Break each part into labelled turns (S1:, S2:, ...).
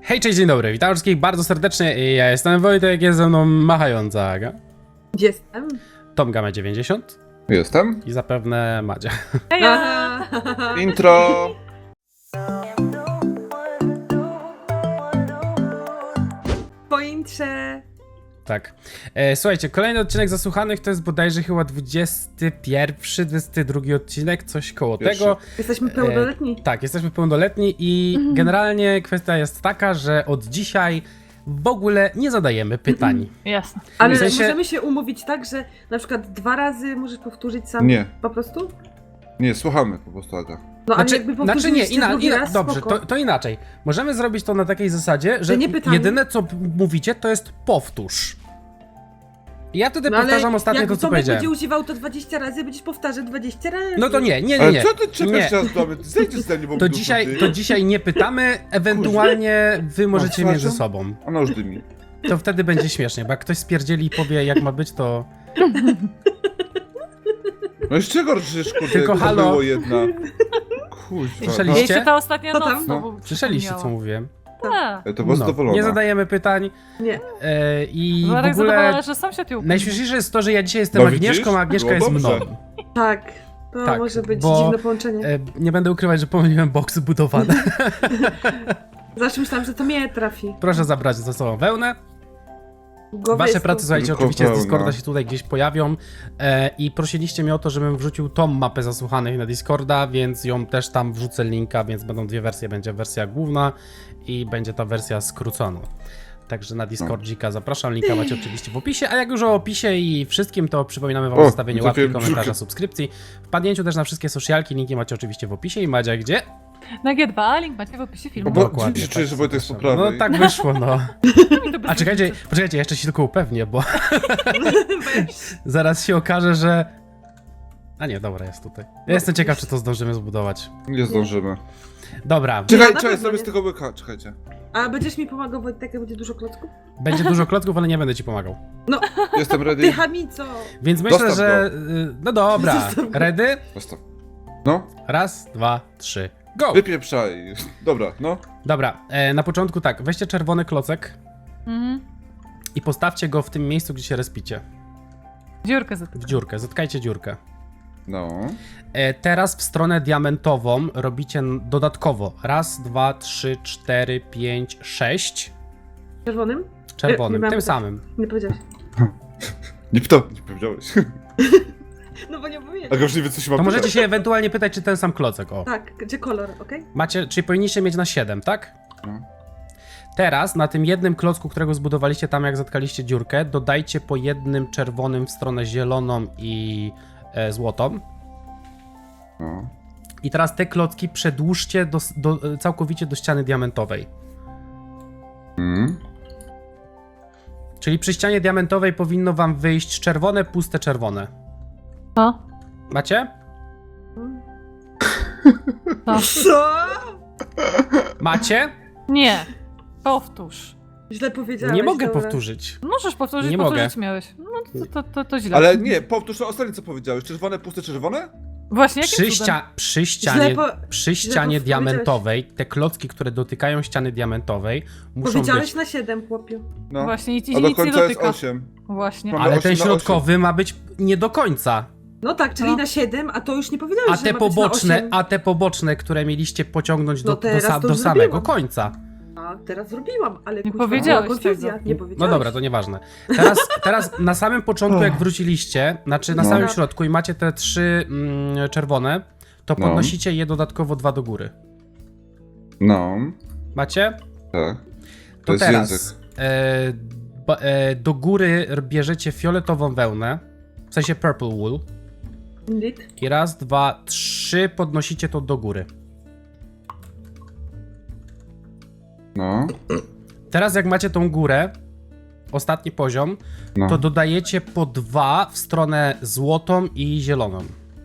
S1: Hej, cześć, dzień dobry, witam wszystkich bardzo serdecznie. Ja jestem Wojtek, jest ze mną machająca Aga.
S2: Jestem.
S1: Tomga ma 90
S3: Jestem.
S1: i zapewne Madzia.
S3: Intro.
S2: Po intrze.
S1: Tak. Słuchajcie, kolejny odcinek Zasłuchanych to jest bodajże chyba 21, 22 odcinek, coś koło
S3: Pierwszy.
S1: tego.
S2: Jesteśmy pełnoletni.
S1: Tak, jesteśmy pełnoletni i generalnie kwestia jest taka, że od dzisiaj w ogóle nie zadajemy pytań.
S4: Jasne.
S2: Ale
S1: W sensie-
S2: możemy się umówić tak, że na przykład 2 razy możesz powtórzyć sam
S3: Nie.
S2: po prostu?
S3: Nie, słuchamy po prostu, Aga.
S2: No ale
S1: Znaczy,
S2: jakby
S1: znaczy nie,
S2: powtórzyliście drugi raz,
S1: dobrze,
S2: spoko.
S1: to inaczej. Możemy zrobić to na takiej zasadzie, że
S2: nie pytanie.
S1: jedyne co mówicie to jest powtórz. Ja wtedy
S2: No ale
S1: powtarzam ostatnio
S2: jak
S1: to, co
S2: Tomek
S1: powiedziałem.
S2: będzie używał to 20 razy, będziesz powtarzał 20 razy.
S1: No to nie.
S3: Ale co ty czepiasz
S1: Nie.
S3: teraz do mnie? Zejdź z mnie, bo
S1: To dzisiaj nie pytamy, ewentualnie wy możecie
S3: Masz
S1: między
S3: rację?
S1: sobą.
S3: Ona już dymi.
S1: To wtedy będzie śmiesznie, bo jak ktoś spierdzieli i powie jak ma być, to...
S3: No i z czego przecież, kurde,
S1: Tylko
S3: to
S1: halo.
S3: było jedna. Kuźwa.
S1: Słyszeliście?
S4: Jeszcze ta ostatnia
S2: Co
S4: noc
S2: tam?
S4: znowu
S1: Słyszeliście, co
S4: przypomniała.
S1: mówiłem?
S4: Tak.
S3: To była zadowolona.
S1: nie zadajemy pytań
S2: Nie.
S1: i w
S4: Marek
S1: ogóle...
S4: zadowolona, że sąsiad ją
S1: Najśmieszniejsze jest to, że ja dzisiaj jestem
S3: No
S1: Agnieszką,
S3: widzisz?
S1: a Agnieszka
S3: Było
S1: jest mną.
S3: dobrze.
S2: Tak. To
S1: Tak,
S2: może być
S1: bo-
S2: dziwne połączenie.
S1: Nie będę ukrywać, że pomyliłem boksy budowane.
S2: Zawsze myślałam, że to mnie trafi.
S1: Proszę zabrać ze sobą wełnę.
S2: Głowy
S1: Wasze
S2: jest
S1: prace,
S2: tu.
S1: słuchajcie,
S3: Tylko
S1: oczywiście z
S3: wełna.
S1: Discorda się tutaj gdzieś pojawią i prosiliście mnie o to, żebym wrzucił tą mapę zasłuchanych na Discorda, więc ją też tam wrzucę linka, więc będą dwie wersje, będzie wersja główna i będzie ta wersja skrócona. Także na Discordzika zapraszam, linka macie oczywiście w opisie, a jak już o opisie i wszystkim, to przypominamy wam o
S3: O,
S1: zostawieniu łapki,
S3: trafiłem
S1: komentarza,
S3: brzuchem.
S1: subskrypcji, wpadnięciu też na wszystkie socialki, linki macie oczywiście w opisie i Madzia gdzie?
S4: Na G2, link macie w opisie filmu.
S3: Bo
S1: Dokładnie,
S3: dziwnie się czuję, że Wojtek jest po
S1: zapraszam.
S3: prawej.
S1: No tak wyszło, no.
S4: Mi to bez
S1: A czekajcie,
S4: różnicy.
S1: poczekajcie, jeszcze się tylko upewnię, bo zaraz się okaże, że... A nie, dobra, jest tutaj. Ja jestem ciekaw, czy to zdążymy zbudować.
S3: Nie zdążymy.
S1: Dobra,
S2: Ja
S3: Czekaj,
S2: na
S3: czekaj,
S2: pewno
S3: zrobię
S2: nie.
S3: z tego łyka, czekajcie.
S2: A będziesz mi pomagał, Wojtek, jak będzie dużo klocków?
S1: będzie dużo klocków, ale nie będę ci pomagał.
S3: Jestem
S2: Ty
S3: ready.
S2: chamico!
S1: Więc myślę,
S3: Dostaw
S1: że... No dobra,
S2: Zostaw go.
S1: ready?
S3: Zostaw. No,
S1: Raz, dwa, trzy, go!
S3: wypieprzaj. Dobra, no.
S1: Dobra, na początku tak, weźcie czerwony klocek
S4: Mhm.
S1: i postawcie go w tym miejscu, gdzie się respicie.
S4: Dziurkę
S1: W
S4: zatykam.
S1: dziurkę, zatkajcie dziurkę.
S3: No.
S1: Teraz w stronę diamentową robicie dodatkowo. Raz, dwa, trzy, cztery, pięć, sześć.
S2: Czerwonym?
S1: Czerwonym,
S2: Nie
S1: tym
S2: mam-
S1: samym.
S2: Nie powiedziałeś.
S3: Nie powiedziałeś.
S2: No bo nie powiedziałeś.
S3: Aga już nie wie, co się ma
S1: To możecie
S3: pytać.
S1: się ewentualnie pytać, czy ten sam klocek, o.
S2: Tak, gdzie kolor, okej?
S1: Macie, czyli powinniście mieć na 7, tak?
S3: No.
S1: Teraz na tym jednym klocku, którego zbudowaliście tam, jak zatkaliście dziurkę, dodajcie po jednym czerwonym w stronę zieloną i złotą.
S3: No.
S1: I teraz te klocki przedłużcie całkowicie do ściany diamentowej.
S3: Mm.
S1: Czyli przy ścianie diamentowej powinno wam wyjść czerwone, puste czerwone.
S4: Co?
S1: Macie?
S4: Co?
S2: Co?
S1: Macie?
S4: Nie. Powtórz.
S2: Źle powiedziałeś.
S1: Nie mogę
S2: dobra.
S1: powtórzyć.
S4: Możesz powtórzyć,
S1: Nie
S4: powtórzyć
S1: mogę.
S4: miałeś. No to źle.
S3: Ale nie, powtórz to ostatnie, co powiedziałeś. Czerwone, puste, czerwone?
S4: Właśnie, jakim
S1: Przy,
S4: cudem?
S1: przy ścianie,
S2: Źle
S1: przy ścianie
S2: powiedziałeś.
S1: diamentowej, te klocki, które dotykają ściany diamentowej, muszą
S2: Powiedziałeś
S1: być...
S2: na 7, chłopiu.
S3: No.
S4: Właśnie, nic,
S3: A
S4: nic
S3: do
S4: nie
S3: końca jest
S4: dotyka.
S3: 8.
S4: Właśnie.
S3: Mamy
S1: Ale
S3: 8
S1: ten
S3: na
S1: środkowy ma być nie do końca.
S2: No tak, czyli
S4: No.
S2: na 7, a to już nie powiedziałeś,
S1: A
S2: że
S1: te
S2: ma być na
S1: poboczne,
S2: 8.
S1: a te poboczne, które mieliście pociągnąć
S2: No teraz to
S1: do samego
S2: zrobiłam.
S1: końca.
S2: A teraz zrobiłam, ale
S4: Nie
S2: kurwa,
S4: powiedziałeś
S2: była konfuzja.
S4: tego.
S2: Nie
S1: No
S2: powiedziałeś.
S1: dobra, to nieważne. Teraz na samym początku, jak wróciliście, znaczy na
S3: No.
S1: samym środku i macie te trzy czerwone, to
S3: No.
S1: podnosicie je dodatkowo 2 do góry.
S3: No.
S1: Macie?
S3: Tak.
S1: To
S3: jest
S1: teraz
S3: język.
S1: do góry bierzecie fioletową wełnę, w sensie purple wool.
S2: Indeed.
S1: I raz, dwa, trzy podnosicie to do góry.
S3: No.
S1: Teraz jak macie tą górę, ostatni poziom,
S3: No.
S1: to dodajecie po 2 w stronę złotą i zieloną.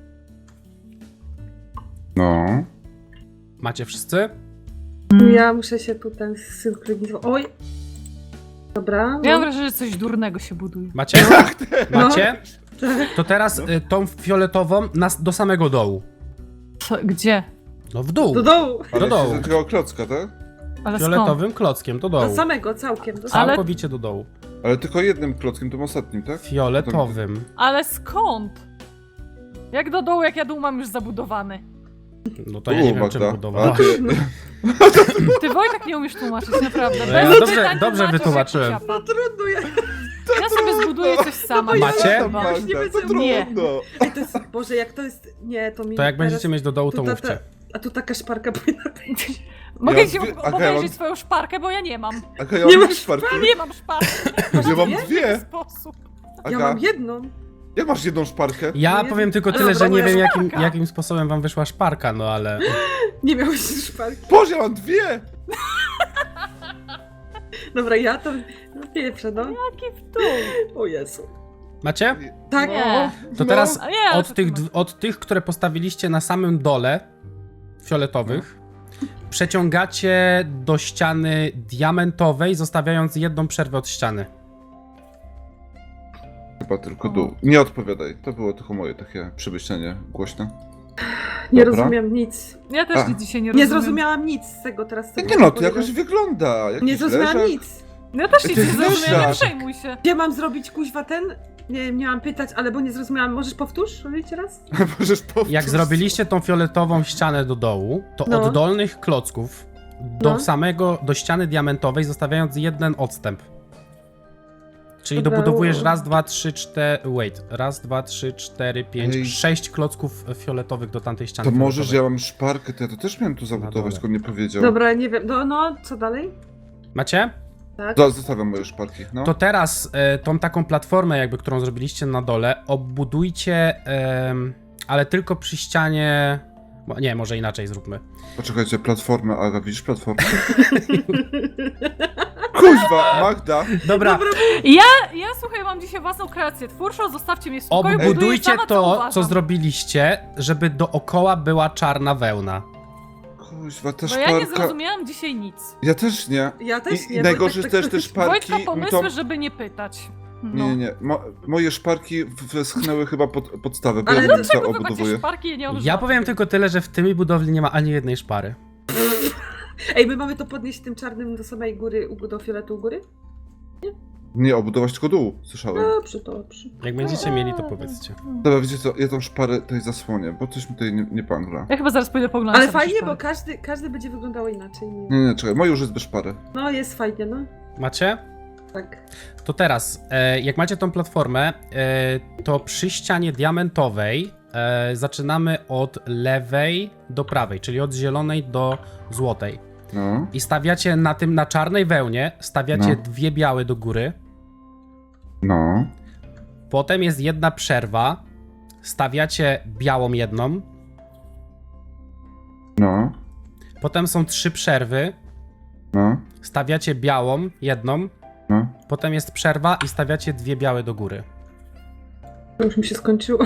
S3: No.
S1: Macie wszyscy?
S2: Ja muszę się tutaj synchronizować. Oj! Dobra.
S4: Ja mam wrażenie, że coś durnego się buduje.
S1: Macie? Macie?
S2: No.
S1: To teraz tą fioletową do samego dołu.
S4: Co, gdzie?
S1: No w dół.
S2: Do dołu.
S3: Ale
S1: Do dołu.
S3: się zaczęła klocka, tak?
S4: Ale skąd?
S1: Fioletowym klockiem do
S2: Do
S1: dołu.
S2: samego, całkiem. Do
S4: Ale-
S1: Całkowicie do dołu.
S3: Ale tylko jednym klockiem, tym ostatnim, tak?
S1: Fioletowym.
S4: Ale skąd? Jak do dołu, jak ja dół mam już zabudowany?
S1: No to ja nie wiem, czym
S3: Magda.
S1: budowała.
S3: A ty-
S4: Ty Wojtek nie umiesz tłumaczyć, naprawdę.
S1: No
S4: Bez
S1: ja
S4: pytań
S1: dobrze
S4: tłumaczysz jak
S1: wytłumaczyłem.
S4: ciapa.
S2: Trudno,
S4: Ja sobie zbuduję coś sama.
S1: Macie?
S3: Tam,
S4: Chyba.
S3: Magda, to
S4: Nie.
S3: trudno.
S2: Ej, to jest, Boże, jak to jest, nie, to mi
S1: To jak
S2: teraz-
S1: będziecie mieć do dołu, to
S2: tu ta-
S1: mówcie.
S2: A tu taka szparka powinna być.
S4: Mogę
S3: Ja
S4: ci
S3: mam dwie- Aga, ja
S4: obejrzeć
S3: mam-
S4: swoją szparkę, bo ja nie mam.
S3: Aga, ja
S2: Nie
S3: mam
S2: masz
S3: szparki.
S4: Nie mam szparki.
S3: Ja mam
S4: W jaki
S3: dwie.
S4: sposób?
S2: Ja
S3: Aga,
S2: mam jedną.
S3: jak masz jedną szparkę?
S1: Ja
S2: No
S1: powiem tylko
S2: ale
S1: tyle, że nie
S2: dobra,
S1: wiem
S4: szparka.
S1: jakim sposobem wam wyszła szparka, no ale...
S2: Nie miałeś szparki.
S3: Boże, ja mam dwie!
S2: Dobra, ja to pierwsze, no.
S4: Jaki w dół?
S2: O Jezu.
S1: Macie?
S2: Tak.
S4: Nie.
S1: To
S2: No.
S1: teraz
S4: A nie, ale
S1: od
S4: co
S1: tych,
S4: ty masz?
S1: od tych, które postawiliście na samym dole, fioletowych, przeciągacie do ściany diamentowej, zostawiając jedną przerwę od ściany.
S3: Chyba tylko dół. Nie odpowiadaj. To było tylko moje takie przemyślenie głośne.
S2: Nie
S3: Dobra.
S2: rozumiem nic.
S4: Ja też
S3: A.
S4: nic dzisiaj nie
S2: Nie
S4: rozumiem.
S2: zrozumiałam nic z tego teraz. z tego
S3: Nie no, to
S2: powiedział.
S3: jakoś wygląda. Jakiś
S2: Nie zrozumiałam
S3: leżak.
S2: nic.
S4: Ja też nic
S3: To
S4: nie
S3: jest
S4: zrozumiałem, nie
S3: leżak.
S4: przejmuj się.
S2: Gdzie mam zrobić kuźwa ten? Nie miałam pytać, ale bo nie zrozumiałam. Możesz powtórzyć raz?
S3: Możesz powtórzyć.
S1: Jak zrobiliście tą fioletową ścianę do dołu, to
S2: No.
S1: od dolnych klocków do
S2: No.
S1: do ściany diamentowej, zostawiając jeden odstęp. Czyli
S2: Dobra,
S1: dobudowujesz raz, dwa, trzy, cztery. Wait. Raz, dwa, trzy, cztery, pięć,
S3: Ej.
S1: 6 klocków fioletowych do tamtej ściany.
S3: To możesz,
S1: fioletowej.
S3: ja mam szparkę, to ja to też miałem tu zabudować,
S1: dole.
S3: tylko nie powiedział.
S2: Dobra, nie wiem. No, co dalej?
S1: Macie?
S2: Tak.
S3: Zostawiam moje szparki, no.
S1: To teraz tą taką platformę, jakby którą zrobiliście na dole, obudujcie, ale tylko przy ścianie. Nie, może inaczej zróbmy.
S3: Poczekajcie, platformę, Aga, widzisz platformę? Kuźwa, Magda!
S1: Dobra,
S4: Ja słuchaj, mam dzisiaj własną kreację twórczą, zostawcie mnie w spokoju, buduję
S1: obudujcie
S4: sama, co
S1: to,
S4: uważam.
S1: co zrobiliście, żeby dookoła była czarna wełna.
S3: Kuźwa, ta
S4: Bo ja nie
S3: szparka...
S4: zrozumiałam dzisiaj nic.
S3: Ja też nie.
S2: Ja też nie.
S3: I
S2: bo
S3: najgorsze
S2: tak-
S3: też
S2: tak-
S3: te szparki...
S4: Wojtka
S3: mi
S4: pomysły,
S3: to...
S4: żeby nie pytać.
S3: Nie. Moje szparki wyschnęły chyba pod podstawę, bo
S2: Ale
S3: ja
S2: dlaczego
S3: to
S4: Dlaczego wy macie
S3: obudowuję.
S4: szparki, ja nie mam
S1: Ja
S4: żadnych.
S1: powiem tylko tyle, że w tej budowli nie ma ani jednej szpary.
S2: Ej, my mamy to podnieść tym czarnym do samej góry, do fioletu u góry?
S3: Nie, obudować tylko dół, słyszałem.
S2: Dobrze, dobrze.
S1: Jak będziecie mieli, to powiedzcie.
S3: Dobra, wiecie co, ja tą szparę tutaj zasłonię, bo coś mi tutaj nie pangla.
S4: Ja chyba zaraz pójdę poglądać.
S2: Ale
S4: sobie
S2: fajnie,
S4: szparki.
S2: bo każdy będzie wyglądał inaczej.
S3: Nie, czekaj, moje już jest bez szpary.
S2: No, jest fajnie, no.
S1: Macie?
S2: Tak.
S1: To teraz, jak macie tą platformę, to przy ścianie diamentowej zaczynamy od lewej do prawej, czyli od zielonej do złotej.
S3: No,
S1: I stawiacie na czarnej wełnie, stawiacie
S3: No.
S1: dwie białe do góry,
S3: no,
S1: potem jest jedna przerwa, stawiacie białą jedną,
S3: no,
S1: potem są 3 przerwy,
S3: no,
S1: stawiacie białą jedną,
S3: no.
S1: potem jest przerwa i stawiacie dwie białe do góry.
S2: To już mi się skończyło.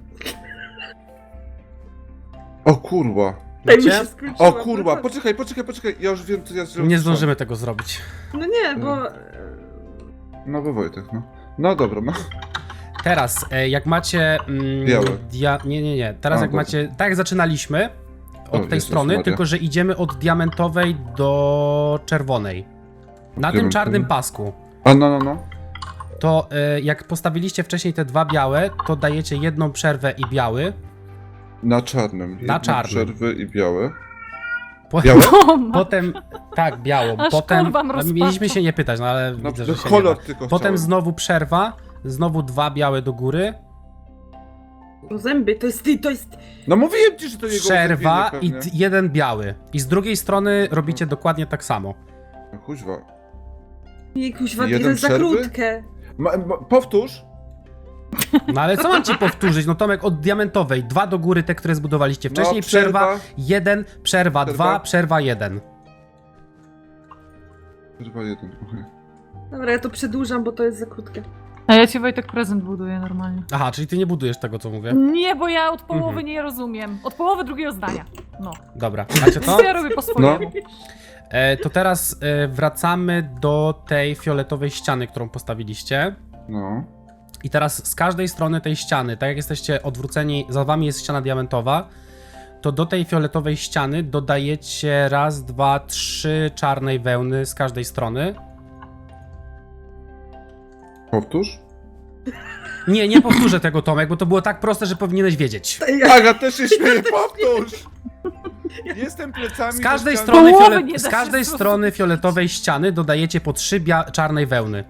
S3: O kurwa.
S2: Tak mi
S1: Macie?
S2: się skończyło.
S3: O kurwa, poczekaj, ja już wiem co ja zrobię.
S1: Nie zdążymy tego zrobić.
S2: No nie, bo...
S3: No bo Wojtek, no. No dobra, no.
S1: Teraz, jak macie...
S3: Białe.
S1: Nie. Teraz
S3: A,
S1: jak
S3: dobra.
S1: macie... Tak jak zaczynaliśmy, od tej
S3: Jezus
S1: strony,
S3: Maria.
S1: tylko że idziemy od diamentowej do czerwonej. Na tym
S3: Diamentowej?
S1: czarnym pasku.
S3: A no.
S1: To jak postawiliście wcześniej te dwa białe, to dajecie jedną przerwę i biały.
S3: Na czarnym.
S1: Na
S3: Jedne
S1: czarnym.
S3: Przerwy i białe.
S1: Po,
S3: Białe?
S4: O, ma...
S1: potem... Tak, białą.
S4: Aż
S1: Potem...
S4: kurwa
S1: No,
S4: rozpacza.
S1: mieliśmy się nie pytać, no ale
S3: No,
S1: widzę, że się nie
S3: kolor
S1: da.
S3: tylko
S1: Potem
S3: chciałem.
S1: znowu przerwa, znowu dwa białe do góry,
S2: No zęby, to jest...
S3: No mówiłem ci, że to jego
S1: przerwa i
S3: ulepienie pewnie.
S1: jeden biały. I z drugiej strony robicie dokładnie tak samo.
S3: No kuźwa.
S2: Nie, kuźwa, to
S3: Jeden
S2: jest za
S3: przerwy?
S2: krótkie.
S3: Powtórz.
S1: No ale co mam ci powtórzyć? No Tomek, od diamentowej, dwa do góry, te, które zbudowaliście wcześniej,
S3: No,
S1: przerwa, jeden, przerwa,
S3: Przerwa.
S1: dwa, przerwa, jeden.
S3: Przerwa jeden, okej.
S2: Dobra, ja to przedłużam, bo to jest za krótkie.
S4: A ja ci Wojtek prezent buduję normalnie.
S1: Aha, czyli ty nie budujesz tego, co mówię?
S4: Nie, bo ja od połowy
S1: Mhm.
S4: nie rozumiem. Od połowy drugiego zdania. No.
S1: Dobra, macie to?
S4: Ja robię po swojemu.
S1: To teraz wracamy do tej fioletowej ściany, którą postawiliście.
S3: No.
S1: I teraz z każdej strony tej ściany, tak jak jesteście odwróceni, za wami jest ściana diamentowa, to do tej fioletowej ściany dodajecie raz, dwa, trzy czarnej wełny z każdej strony.
S3: Powtórz?
S1: Nie powtórzę tego, Tomek, bo to było tak proste, że powinieneś wiedzieć.
S3: Aga też się śmieje, powtórz! Jestem plecami
S1: Z każdej
S3: do
S1: strony,
S4: Połowy nie da
S1: z
S4: się
S1: każdej
S4: zrozumieć.
S1: strony fioletowej ściany dodajecie po 3 czarnej wełny.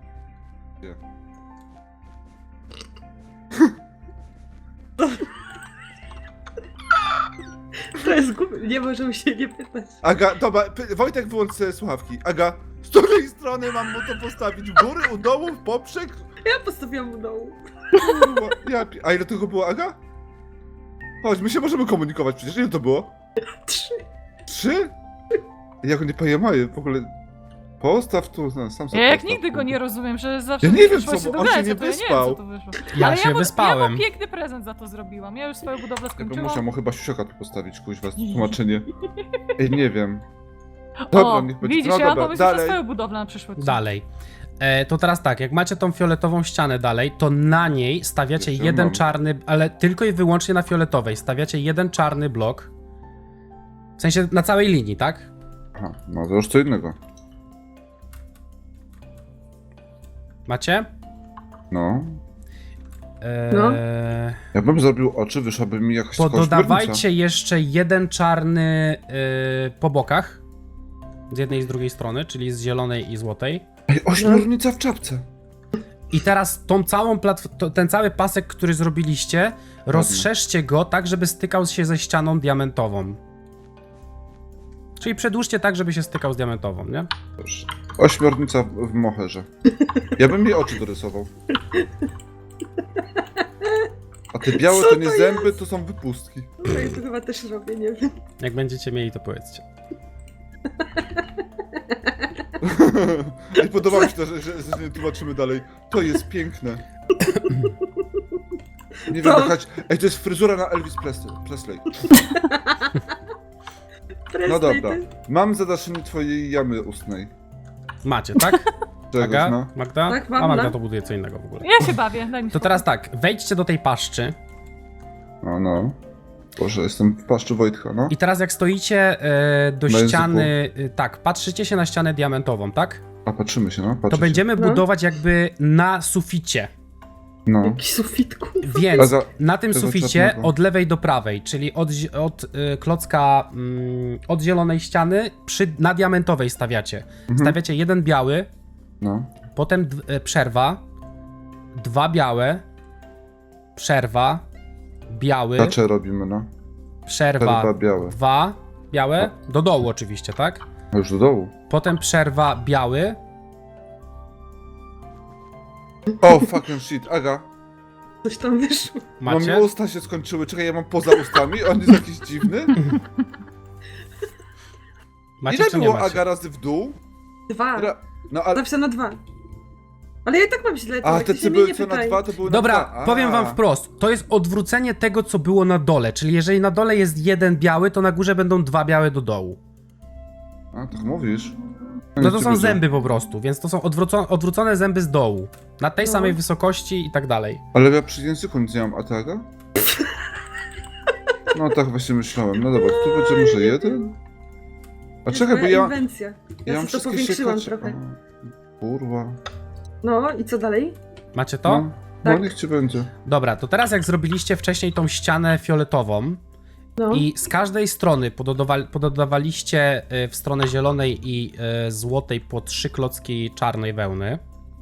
S2: To jest głupie, nie możemy się nie pytać.
S3: Aga, dobra, Wojtek wyłącz sobie słuchawki. Aga, z której strony mam mu to postawić? W góry, u dołu, w poprzek?
S2: Ja postawiłam u dołu.
S3: Kurwa, A ile tego było, Aga? Chodź, my się możemy komunikować przecież. Ile to było?
S2: 3.
S3: 3? Jak on nie pojemaje w ogóle. Postaw tu, no, sam sobie
S4: Ja jak
S3: postaw,
S4: nigdy go
S3: kurwa.
S4: nie rozumiem, że zawsze
S3: Ja nie wiem,
S4: wyszło
S3: co,
S4: się
S3: bo on się
S4: dogadać,
S3: nie
S4: to ja nie wiem,
S3: wyspał.
S4: co to wyszło.
S1: Ja
S4: Ale
S1: się
S4: ja
S1: wyspałem.
S4: mu piękny prezent za to zrobiłam. Ja już swoją budowlę
S3: Ja bym
S4: skończyłam.
S3: musiał mu chyba siusiaka tu postawić, kuźwa, tłumaczenie. Ej, nie wiem. Dobra,
S4: O,
S3: niech będzie.
S4: widzisz,
S3: No
S4: ja mam
S3: dobra,
S4: pomysł na
S3: dalej.
S4: swoją budowlę na przyszłość.
S1: Dalej. To teraz tak, jak macie tą fioletową ścianę dalej, to na niej stawiacie
S3: Jeszcze
S1: jeden
S3: mam.
S1: czarny, ale tylko i wyłącznie na fioletowej. Stawiacie jeden czarny blok. W sensie na całej linii, tak?
S3: Aha, no to już co innego.
S1: Macie?
S3: No.
S2: No.
S3: Ja bym zrobił oczy, wyszłaby mi jakaś taka
S1: Dodawajcie jeszcze jeden czarny po bokach. Z jednej i z drugiej strony, czyli z zielonej i złotej.
S3: Ej, ośmiornica w czapce.
S1: I teraz tą całą ten cały pasek, który zrobiliście, rozszerzcie go tak, żeby stykał się ze ścianą diamentową. Czyli przedłużcie tak, żeby się stykał z diamentową, nie?
S3: Proszę. Ośmiornica w moherze. Ja bym jej oczy dorysował. A te białe
S2: Co
S3: to nie
S2: to
S3: zęby, to są wypustki.
S2: No i to chyba też robię, nie wiem.
S1: Jak będziecie mieli, to powiedzcie.
S3: I podoba mi się to, że nie tłumaczymy dalej. To jest piękne. Nie wiem,
S2: To-
S3: jakaś... Ej, to jest fryzura na Elvis Presley. No
S2: Presley,
S3: dobra. Mam zadaszenie twojej jamy ustnej.
S1: Macie, tak?
S3: Czegoś,
S1: Magda?
S3: no.
S1: Magda?
S2: Tak, mam,
S1: A Magda
S2: no.
S1: to buduje co innego w ogóle.
S4: Ja się bawię, daj mi
S1: To
S4: spokój.
S1: teraz tak, wejdźcie do tej paszczy
S3: No. Boże, jestem w paszczu Wojtka, no.
S1: i teraz jak stoicie do
S3: Na
S1: ściany, tak, patrzycie się na ścianę diamentową, tak?
S3: A patrzymy się, no.
S1: To
S3: Patrzcie się.
S1: będziemy
S2: No.
S1: budować jakby na suficie.
S3: No.
S2: Jakiś sufitku.
S3: A
S1: Więc
S3: za-
S1: na tym
S3: tego
S1: suficie
S3: czarnego.
S1: od lewej do prawej, czyli od klocka od zielonej ściany na diamentowej stawiacie. Stawiacie jeden biały,
S3: No.
S1: potem przerwa, dwa białe, przerwa, biały,
S3: Kacze robimy, no.
S1: przerwa,
S3: Przerwa białe.
S1: dwa białe, do dołu oczywiście, tak?
S3: A już do dołu.
S1: Potem przerwa, biały,
S3: O, fucking shit, Aga.
S2: Coś tam wyszło.
S1: macie?
S3: Mam usta się skończyły, czekaj, ja mam poza ustami, on jest jakiś dziwny.
S1: Macie
S3: Ile
S1: czy nie
S3: było
S1: macie?
S3: Aga razy w dół?
S2: 2.
S3: No ale...
S2: Napisano 2. Ale ja i tak mam źle,
S3: A,
S2: to
S3: te
S2: się
S3: co
S2: mnie
S3: były
S2: nie
S3: co na
S2: pytaj.
S3: dwa, to były na
S1: Dobra,
S3: dwa.
S1: powiem wam wprost. To jest odwrócenie tego, co było na dole. Czyli jeżeli na dole jest jeden biały, to na górze będą dwa białe do dołu.
S3: A, tak mówisz?
S1: No
S3: niech
S1: to
S3: ci
S1: są
S3: będzie.
S1: zęby po prostu, więc to są odwrócone zęby z dołu. Na tej
S2: No.
S1: samej wysokości i tak dalej.
S3: Ale ja przy języku nic nie mam, a ty, Aga? No tak właśnie myślałem. No dobra, tu będzie może jeden? A
S2: To jest
S3: czekaj, bo
S2: moja
S3: ja...
S2: inwencja. Ja
S3: mam
S2: sobie to
S3: wszystkie
S2: powiększyłam
S3: siekacze.
S2: trochę.
S3: A, kurwa.
S2: No i co dalej?
S1: Macie to?
S3: No, no
S2: Tak.
S3: niech ci będzie.
S1: Dobra, to teraz jak zrobiliście wcześniej tą ścianę fioletową
S2: No.
S1: i z każdej strony pododawaliście w stronę zielonej i złotej po 3 klocki czarnej wełny.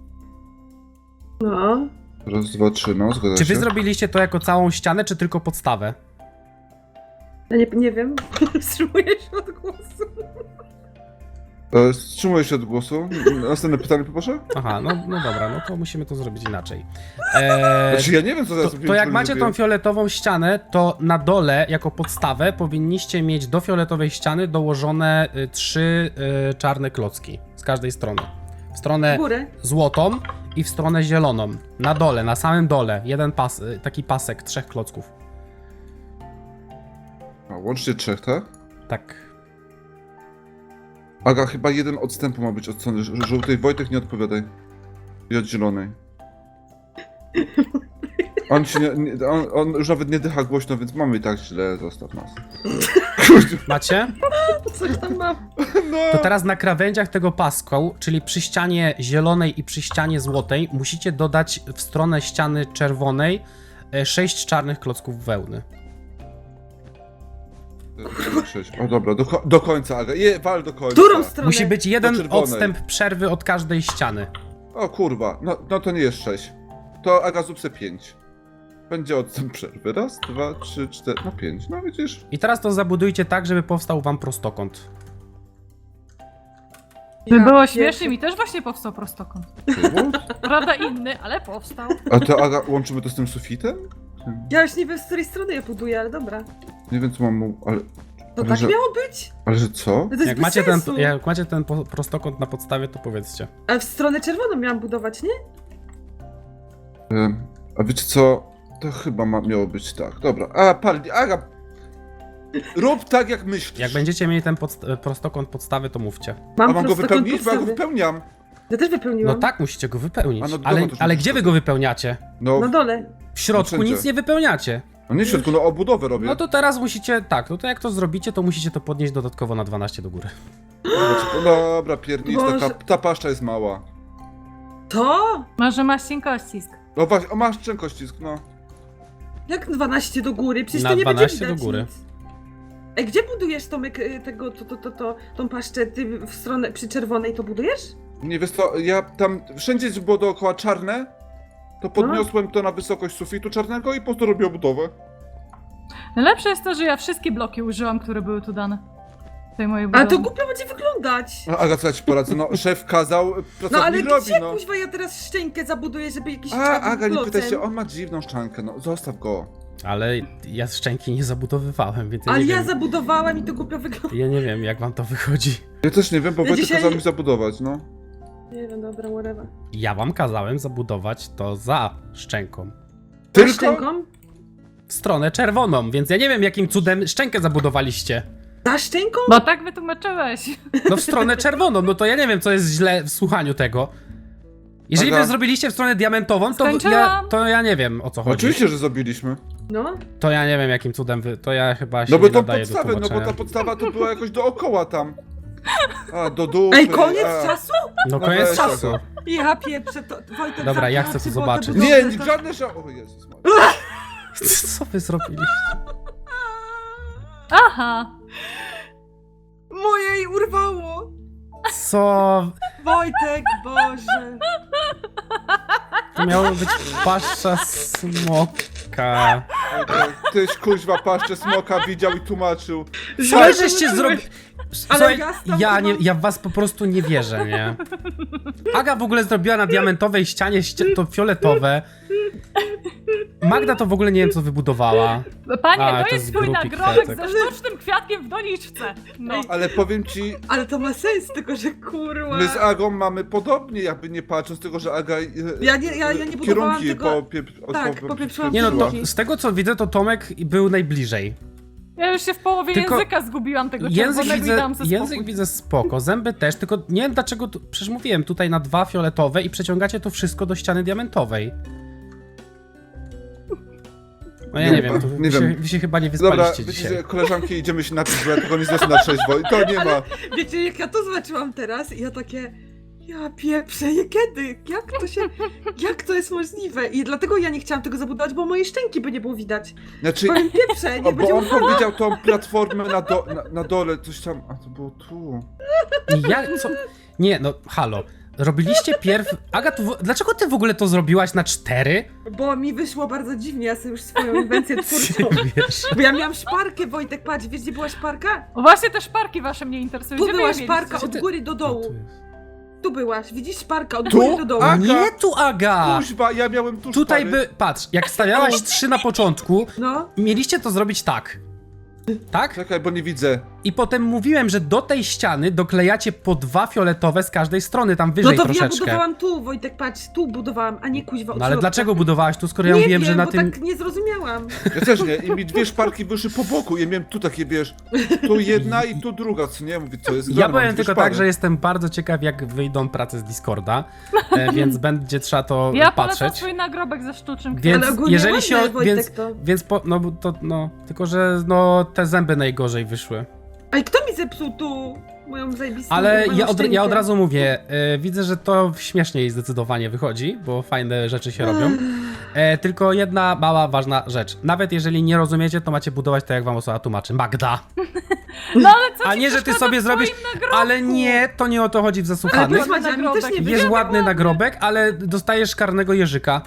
S2: No.
S3: Raz, dwa, trzy, no, zgadza
S1: Czy wy
S3: się.
S1: zrobiliście to jako całą ścianę, czy tylko podstawę?
S2: Ja nie wiem. Wstrzymuję się od głosu.
S3: Wstrzymuję się od głosu. Następne pytanie poproszę?
S1: Aha, no dobra, no to musimy to zrobić inaczej.
S3: Znaczy ja nie wiem, co zaraz
S1: To jak macie tą fioletową ścianę, to na dole jako podstawę powinniście mieć do fioletowej ściany dołożone 3 czarne klocki z każdej strony. W
S2: W
S1: stronę
S2: górę.
S1: złotą i w stronę zieloną. Na dole, na samym dole. Jeden taki pasek 3 klocków.
S3: A, łącznie trzech, tak?
S1: Tak.
S3: Aga, chyba jeden odstępu ma być od strony żółtej. Wojtek, nie odpowiadaj. I od zielonej. On się on już nawet nie dycha głośno, więc mamy i tak źle, zostaw nas.
S1: Macie?
S2: Coś tam mam.
S3: No.
S1: To teraz na krawędziach tego pasku, czyli przy ścianie zielonej i przy ścianie złotej, musicie dodać w stronę ściany czerwonej 6 czarnych klocków wełny.
S3: O dobra, do końca, Aga. Wal do końca.
S2: Którą stronę?
S1: Musi być jeden
S3: czerwonej.
S1: odstęp przerwy od każdej ściany.
S3: O kurwa, no to nie jest 6. To Aga zrób se 5. Będzie odstęp przerwy. Raz, 2, 3, 4, no 5. No widzisz?
S1: I teraz to zabudujcie tak, żeby powstał wam prostokąt.
S4: By było
S2: pierwszy-
S4: śmiesznie, mi też właśnie powstał prostokąt. Prawda inny, ale powstał.
S3: A to Aga, łączymy to z tym sufitem?
S2: Ja już nie wiem, z której strony je buduję, ale dobra.
S3: Nie wiem co mam mu, ale...
S2: To
S3: Ale
S2: tak
S3: że-
S2: miało być?
S3: Ale że co?
S2: No to jest
S1: Jak
S2: bez
S1: macie,
S2: sensu.
S1: prostokąt na podstawie, to powiedzcie.
S2: Ale w stronę czerwoną miałam budować, nie?
S3: A wiecie co? To chyba miało być tak. Dobra, Aga... Rób tak jak myślisz.
S1: Jak będziecie mieli ten prostokąt podstawy, to mówcie.
S3: A mam go
S2: prostokąt
S3: wypełnić? Bo ja go
S2: podstawy.
S3: wypełniam.
S2: Ja też
S1: No
S2: wypełniłam.
S1: tak, musicie go wypełnić.
S3: A no,
S1: Ale,
S3: dobra, to
S1: ale
S3: już
S1: gdzie wy go wypełniacie?
S3: No,
S2: Na dole.
S1: W środku
S3: wszędzie.
S1: nic nie wypełniacie.
S3: no nie w środku, no obudowę robię.
S1: No to teraz musicie, tak, no to jak to zrobicie, to musicie to podnieść dodatkowo na 12 do góry.
S3: Dobra, piernicz,
S2: Boże.
S3: ta paszcza jest mała.
S2: To?
S4: Może masz cienkościsk.
S3: No właśnie, o masz czękościsk, no.
S2: Jak 12 do góry? Przecież
S1: Na
S2: to nie
S1: 12
S2: będzie widać
S1: do góry.
S2: nic. Ej, gdzie budujesz, Tomek, tą paszczę? Ty w stronę przy czerwonej to budujesz?
S3: Nie wiesz co, ja tam, wszędzie gdzie było dookoła czarne, to podniosłem to na wysokość sufitu czarnego i po prostu robię obudowę.
S4: Najlepsze jest to, że ja wszystkie bloki użyłam, które były tu dane. W tej mojej
S2: Ale
S4: budowie.
S2: to głupio będzie wyglądać.
S3: No Aga, co ja ci poradzę, no szef kazał,
S2: No
S3: pracownik
S2: ale
S3: robi,
S2: gdzie,
S3: no.
S2: kuźwa, ja teraz szczękę zabuduję, żeby jakiś
S3: Aga, nie pytaj
S2: klocem.
S3: się, on ma dziwną szczankę, no zostaw go.
S1: Ale ja szczęki nie zabudowywałem, więc ja
S2: Ale
S1: nie
S2: ja
S1: wiem.
S2: zabudowałam i to głupio wygląda.
S1: Ja nie wiem, jak wam to wychodzi.
S3: Ja też nie wiem, bo
S2: Ja
S3: Wojtek
S2: dzisiaj-
S3: kazał mi zabudować, no.
S2: Nie wiem, dobra, whatever.
S1: Ja wam kazałem zabudować to za szczęką.
S3: Tylko?
S2: Szczęką?
S1: W stronę czerwoną, więc ja nie wiem, jakim cudem szczękę zabudowaliście.
S2: Za szczęką?
S4: Bo tak wytłumaczyłeś.
S1: No w stronę czerwoną, no to ja nie wiem, co jest źle w słuchaniu tego. Jeżeli
S3: Aga.
S1: wy zrobiliście w stronę diamentową,
S4: Skończyłam.
S1: to ja nie wiem, o co chodzi.
S3: Oczywiście, że zrobiliśmy.
S2: No.
S1: To ja nie wiem, jakim cudem to ja chyba się
S3: No bo
S1: nie
S3: tą
S1: nadaję do
S3: podstawę, no bo
S1: tłumaczenia.
S3: ta podstawa to była jakoś dookoła tam. A, do dupy.
S2: Ej, koniec
S3: a.
S2: czasu?
S1: No
S3: No
S1: koniec
S3: weź
S1: czasu.
S3: tego.
S2: Ja pieprzę to. Wojtek,
S1: Dobra, ja
S2: zamknij
S1: chcę to
S2: oczy, bo
S1: zobaczyć.
S2: było
S3: Nie,
S2: dobrze, to-
S3: żadne O Jezus Maria.
S1: Co wy zrobiliście?
S4: Aha.
S2: Moje jej urwało.
S1: Co?
S2: Wojtek, Boże.
S1: To miało być paszcza smoka.
S3: Tyś kuźwa paszczę smoka widział i tłumaczył.
S1: Co wy żeście zrobili?
S2: Ale
S1: Słuchaj,
S2: ja stąd mam-
S1: ja w was po prostu nie wierzę, nie? Aga w ogóle zrobiła na diamentowej ścianie to fioletowe. Magda to w ogóle nie wiem, co wybudowała.
S4: Panie,
S1: A,
S4: to
S1: to
S4: jest
S1: z
S4: twój
S1: grupik
S4: nagrobek
S1: kwiatek.
S4: ze sztucznym kwiatkiem w doniczce. No.
S3: Ale powiem ci,
S2: Ale to ma sens, tylko że kurwa.
S3: my z Agą mamy podobnie, jakby nie patrząc, tylko że Aga
S2: Ja nie budowałam
S3: kierunki
S2: tego-
S3: tak,
S2: popieprzyłam
S1: Nie no, to,
S2: Kierunki.
S1: z tego co widzę, to Tomek był najbliżej.
S4: Ja już się w połowie
S1: Tylko
S4: języka zgubiłam tego
S1: Język
S4: czerwonego i
S1: widzę,
S4: dałam sobie
S1: język
S4: spokój.
S1: widzę spoko, zęby też, tylko nie wiem dlaczego, przecież mówiłem tutaj na 2 fioletowe i przeciągacie to wszystko do ściany diamentowej. No ja nie wiem,
S3: Nie wiem.
S1: wy się chyba nie
S3: Dobra,
S1: wyspaliście
S3: wiecie,
S1: dzisiaj.
S3: że koleżanki idziemy się napić, bo ja tego nie zniosę na trzeźwo i to nie ma.
S2: Wiecie, jak ja to zobaczyłam teraz i ja takie... Ja pieprzę, kiedy? Jak to jest możliwe? I dlatego ja nie chciałam tego zabudować, bo moje szczęki by nie było widać.
S3: Znaczy,
S2: Powiem pieprze, nie
S3: bo
S2: będzie
S3: on powiedział tą platformę na dole, coś tam, a to było tu.
S1: Co? Nie, no halo. Robiliście Aga, dlaczego ty w ogóle to zrobiłaś na 4?
S2: Bo mi wyszło bardzo dziwnie, ja sobie już swoją inwencję twórczą.
S1: Wiesz.
S2: Bo ja miałam szparkę, Wojtek, patrz, wiesz gdzie była szparka?
S4: O, właśnie te szparki wasze mnie interesują.
S2: Tu
S4: Gdzie wy
S2: była
S4: je
S2: szparka
S4: mieliście?
S2: od góry do
S1: No,
S2: dołu.
S1: tu jest.
S2: Tu byłaś, widzisz szparka od
S3: Tu?
S2: góry do dołu.
S3: A?
S1: Nie tu, Aga!
S3: Kuźwa, ja miałem tu
S1: Tutaj
S3: szpary.
S1: patrz, jak stawiałaś 3 na początku,
S2: No,
S1: mieliście to zrobić tak. Tak?
S3: Czekaj, bo nie widzę.
S1: I potem mówiłem, że do tej ściany doklejacie po 2 fioletowe z każdej strony, tam wyżej
S2: No to ja
S1: troszeczkę.
S2: budowałam tu, Wojtek, patrz, tu budowałam, a nie kuźwa od
S1: No ale
S2: środka.
S1: dlaczego budowałaś tu, skoro ja
S2: Nie
S1: mówiłem,
S2: wiem,
S1: że na
S2: bo
S1: tym...
S2: tak nie zrozumiałam.
S3: Ja też nie, i mi 2 szparki wyszły po boku, ja miałem tu takie, wiesz, tu jedna i tu druga, co nie? Mówię, co jest
S1: Ja
S3: grane, mam
S1: powiem
S3: 2
S1: tylko
S3: szpary.
S1: tak, że jestem bardzo ciekaw, jak wyjdą prace z Discorda, więc będzie trzeba to
S4: Ja polecam
S1: patrzeć.
S4: swój nagrobek ze sztucznym
S1: Więc
S2: Ale ogólnie
S1: jeżeli
S2: ładne,
S1: się...
S2: Wojtek,
S1: Więc,
S2: to.
S1: więc po... No, to, no, tylko że no, te zęby najgorzej wyszły.
S2: A i kto mi zepsuł tu moją zajebistą
S1: Ale
S2: moją
S1: ja od
S2: szczękę?
S1: razu mówię, widzę, że to śmieszniej zdecydowanie wychodzi, bo fajne rzeczy się robią. Tylko jedna mała, ważna rzecz. Nawet jeżeli nie rozumiecie, to macie budować tak, jak wam osoba tłumaczy. Magda!
S4: No ale co
S1: A
S4: ci
S1: nie, że ty
S4: przeszkadza
S1: sobie
S4: w
S1: zrobisz...
S4: twoim nagrobku?
S1: Ale nie, to nie o to chodzi w
S2: Ale
S1: zasłuchanych.
S2: powiedz Madzia, mi też nie
S4: Jest
S1: Jest
S2: wyjdzie.
S1: ładny nagrobek, ale dostajesz karnego jeżyka.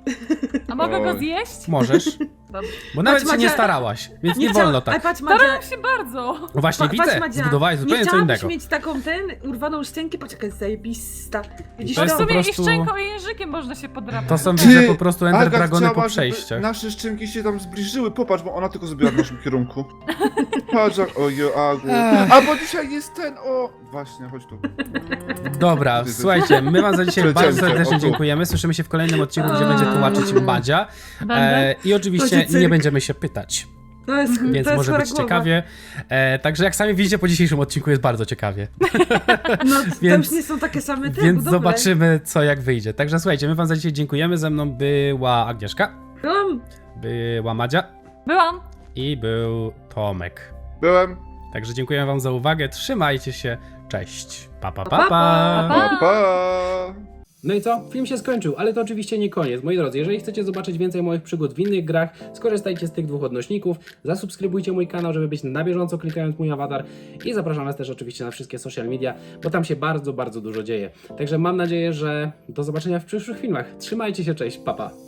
S4: A mogę go
S3: Oj.
S4: zjeść?
S1: Możesz.
S4: Dobrze.
S1: Bo nawet
S2: Patrz,
S1: się nie
S2: Madzia,
S1: starałaś, więc nie
S2: chciałam-
S1: wolno
S2: Ale
S1: tak.
S2: patrz, Madzia,
S4: Starałam się bardzo.
S1: No właśnie,
S2: patrz,
S1: widzę,
S2: Madzia,
S1: zbudowałeś
S2: nie
S1: zupełnie co
S2: chciałabyś
S1: innego.
S2: mieć taką urwaną szczękę, poczekaj, zajebista. Widzisz
S1: To
S4: No
S1: jest
S4: w
S2: to?
S1: po
S4: sumie
S1: prostu-
S4: i szczęką i językiem można się podrapać.
S1: To są,
S3: Ty,
S1: widzę, po prostu Ender
S3: Aga
S1: Dragony po
S3: chciała, żeby
S1: przejściach.
S3: nasze szczęki się tam zbliżyły, popatrz, bo ona tylko zrobiła w naszym kierunku. Patrz, ojo, Agu. A bo dzisiaj jest ten, o... Właśnie, chodź tu.
S1: Dobra, słuchajcie, my wam za dzisiaj bardzo
S3: Przecięcie,
S1: serdecznie
S3: o tu.
S1: dziękujemy. Słyszymy się w kolejnym odcinku, gdzie będzie tłumaczyć Madzia.
S4: Będę.
S1: I oczywiście
S2: Będzie cyrk.
S1: nie będziemy się pytać,
S2: To jest,
S1: więc
S2: to jest
S1: może
S2: chora
S1: być
S2: głowa.
S1: ciekawie. Także jak sami widzicie, po dzisiejszym odcinku jest bardzo ciekawie.
S2: No, to
S1: Więc-
S2: już nie są takie same te
S1: Więc
S2: budowle.
S1: zobaczymy, co jak wyjdzie. Także słuchajcie, my wam za dzisiaj dziękujemy. Ze mną była Agnieszka, była Madzia
S4: Byłam.
S1: i był Tomek.
S3: Byłem.
S1: Także dziękuję wam za uwagę. Trzymajcie się. Cześć. Pa, pa, pa,
S2: Pa,
S1: pa.
S2: pa.
S3: Pa, pa.
S1: No i co? Film się skończył, ale to oczywiście nie koniec. Moi drodzy, jeżeli chcecie zobaczyć więcej moich przygód w innych grach, skorzystajcie z tych 2 odnośników, zasubskrybujcie mój kanał, żeby być na bieżąco klikając mój awatar i zapraszam was też oczywiście na wszystkie social media, bo tam się bardzo, bardzo dużo dzieje. Także mam nadzieję, że do zobaczenia w przyszłych filmach. Trzymajcie się, cześć, pa, pa.